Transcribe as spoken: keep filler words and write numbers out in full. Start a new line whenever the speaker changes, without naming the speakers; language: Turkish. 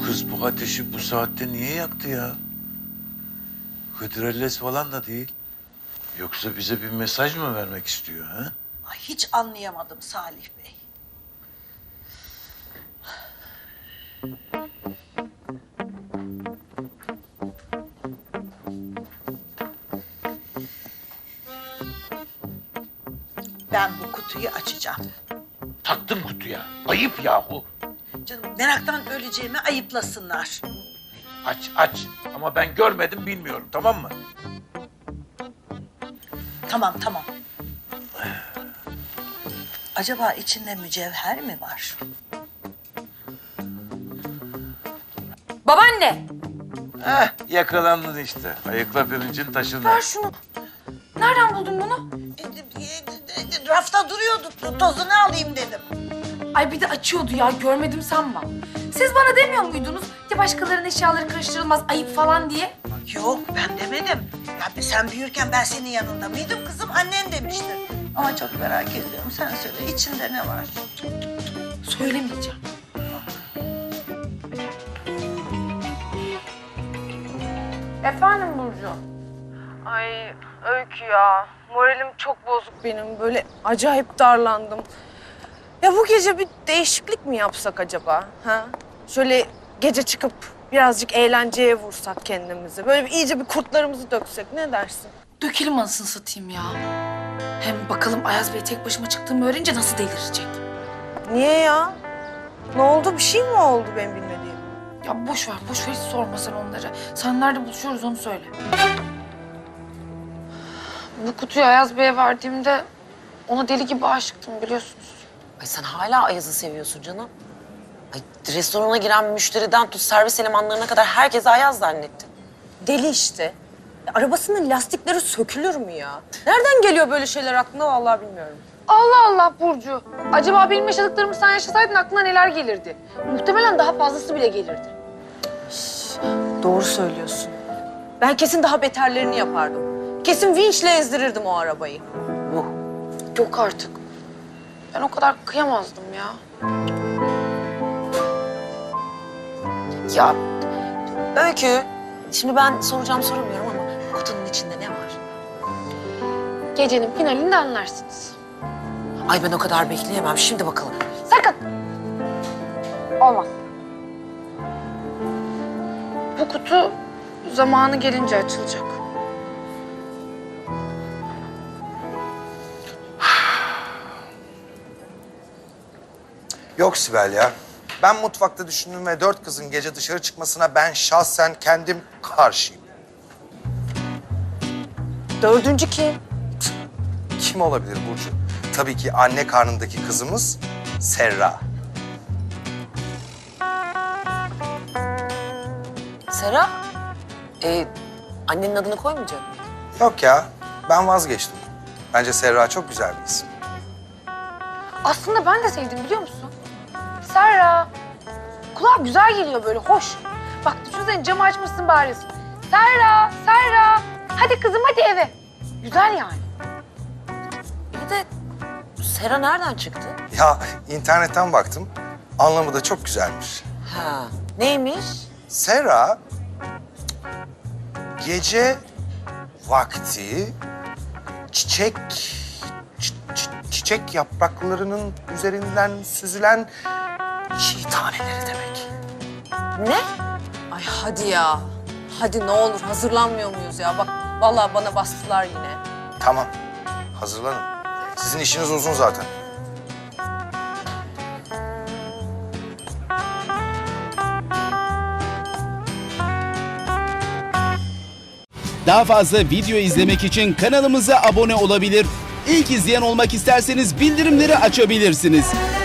kız bu ateşi bu saatte niye yaktı ya? Hıdrellez falan da değil. Yoksa bize bir mesaj mı vermek istiyor ha?
Ay, hiç anlayamadım Salih Bey. Ben bu kutuyu açacağım.
Taktın kutuya. Ayıp yahu.
Canım, meraktan öleceğimi ayıplasınlar.
Aç aç. Ama ben görmedim bilmiyorum, tamam mı?
Tamam tamam. Acaba içinde mücevher mi var?
Babaanne!
Heh, yakalandın işte. Ayıkla pirincin taşını.
Ver şunu. Nereden buldun bunu?
E, e, e, Rafta duruyordu. Tozunu alayım dedim.
Ay bir de açıyordu ya, görmedim sanma. Siz bana demiyor muydunuz ya başkalarının eşyaları karıştırılmaz, ayıp falan diye?
Yok, ben demedim. Ya sen büyürken ben senin yanında mıydım kızım? Annen demiştir. Ama çok merak ediyorum. Sen söyle, içinde ne var?
Söylemeyeceğim. Efendim Burcu?
Ay Öykü ya, moralim çok bozuk benim. Böyle acayip darlandım. Ya bu gece bir değişiklik mi yapsak acaba? Ha? Şöyle gece çıkıp birazcık eğlenceye vursak kendimizi. Böyle bir, iyice bir kurtlarımızı döksek, ne dersin?
Dökelim anasını satayım ya. Hem bakalım Ayaz Bey tek başıma çıktığımı öğrenince nasıl delirecek?
Niye ya? Ne oldu? Bir şey mi oldu benim bilmediğim?
Ya boş ver, boş ver, hiç sorma sen onları. Sen nerede buluşuyoruz onu söyle. Bu kutuyu Ayaz Bey'e verdiğimde ona deli gibi aşıktım biliyorsunuz.
Ay sen hala Ayaz'ı seviyorsun canım. Ay restorana giren müşteriden tut servis elemanlarına kadar herkese Ayaz zannetti.
Deli işte. Ya, arabasının lastikleri sökülür mü ya? Nereden geliyor böyle şeyler aklına vallahi bilmiyorum.
Allah Allah Burcu. Acaba benim yaşadıklarımı sen yaşasaydın aklına neler gelirdi? Muhtemelen daha fazlası bile gelirdi.
Doğru söylüyorsun. Ben kesin daha beterlerini yapardım. Kesin vinçle ezdirirdim o arabayı.
Yuh.
Yok artık. Ben o kadar kıyamazdım ya.
Ya Öykü, şimdi ben soracağım soramıyorum ama kutunun içinde ne var?
Gecenin finalinde anlarsınız.
Ay ben o kadar bekleyemem. Şimdi bakalım.
Sakın. Olmaz. Bu kutu zamanı gelince açılacak.
Yok Sibel ya. Ben mutfakta düşündüm ve dört kızın gece dışarı çıkmasına ben şahsen kendim karşıyım.
Dördüncü kim?
Kim olabilir Burcu? Tabii ki anne karnındaki kızımız Serra.
Sera, e, annenin adını koymayacak mıydın?
Yok ya, ben vazgeçtim. Bence Serra çok güzel bir isim.
Aslında ben de sevdim biliyor musun? Serra. Kulağa güzel geliyor böyle, hoş. Bak düşünsene camı açmışsın bağırıyorsun. Serra, Serra. Hadi kızım hadi eve. Güzel yani.
Bir de Sera nereden çıktı?
Ya internetten baktım, anlamı da çok güzelmiş.
Ha, neymiş?
Serra, gece vakti çiçek çi- çi- çiçek yapraklarının üzerinden süzülen çiğ taneleri demek.
Ne?
Ay hadi ya. Hadi ne olur hazırlanmıyor muyuz ya? Bak vallahi bana bastılar yine.
Tamam, hazırlanın. Sizin işiniz uzun zaten.
Daha fazla video izlemek için kanalımıza abone olabilir. İlk izleyen olmak isterseniz bildirimleri açabilirsiniz.